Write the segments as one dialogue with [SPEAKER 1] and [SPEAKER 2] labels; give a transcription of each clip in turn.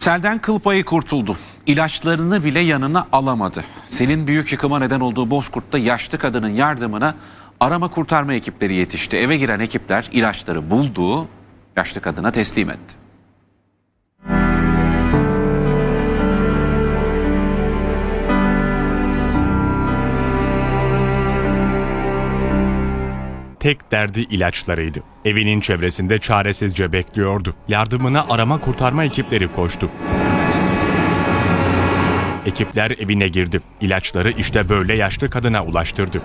[SPEAKER 1] Selden kıl payı kurtuldu. İlaçlarını bile yanına alamadı. Selin büyük yıkıma neden olduğu Bozkurt'ta yaşlı kadının yardımına arama kurtarma ekipleri yetişti. Eve giren ekipler ilaçları buldu, yaşlı kadına teslim etti.
[SPEAKER 2] Tek derdi ilaçlarıydı. Evinin çevresinde çaresizce bekliyordu. Yardımına arama kurtarma ekipleri koştu. Ekipler evine girdi. İlaçları işte böyle yaşlı kadına ulaştırdı.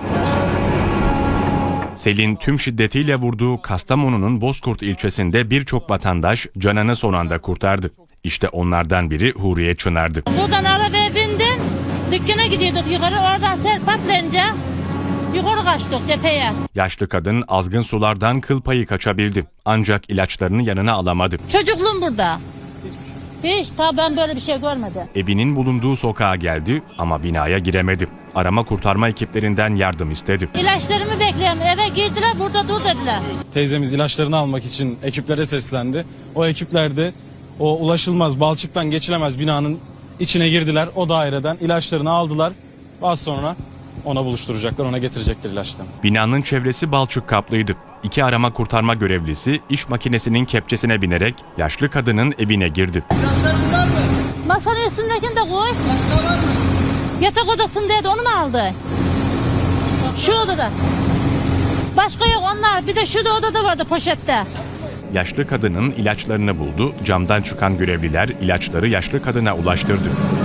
[SPEAKER 2] Selin tüm şiddetiyle vurduğu Kastamonu'nun Bozkurt ilçesinde birçok vatandaş canını son anda kurtardı. İşte onlardan biri Huriye Çınar'dı.
[SPEAKER 3] Buradan arabaya bindim, dükkana gidiyorduk yukarı, oradan sel patlayınca yukarı kaçtık tepeye.
[SPEAKER 2] Yaşlı kadın azgın sulardan kıl payı kaçabildi. Ancak ilaçlarını yanına alamadı.
[SPEAKER 3] Çocukluğum burada. Hiç ben böyle bir şey görmedim.
[SPEAKER 2] Evinin bulunduğu sokağa geldi ama binaya giremedi. Arama kurtarma ekiplerinden yardım istedi.
[SPEAKER 3] İlaçlarımı bekliyorum, eve girdiler, burada dur dediler.
[SPEAKER 4] Teyzemiz ilaçlarını almak için ekiplere seslendi. O ekipler de o ulaşılmaz, balçıktan geçilemez binanın içine girdiler. O daireden ilaçlarını aldılar. Az sonra ona buluşturacaklar, ona getirecekler ilaçlarını.
[SPEAKER 2] Binanın çevresi balçık kaplıydı. 2 arama kurtarma görevlisi iş makinesinin kepçesine binerek yaşlı kadının evine girdi.
[SPEAKER 3] Masanın üstündekini de koy. Başka var mı? Yatak odasındaydı, onu mu aldı? Şu odada. Başka yok onlar, bir de şurada odada vardı poşette.
[SPEAKER 2] Yaşlı kadının ilaçlarını buldu. Camdan çıkan görevliler ilaçları yaşlı kadına ulaştırdı.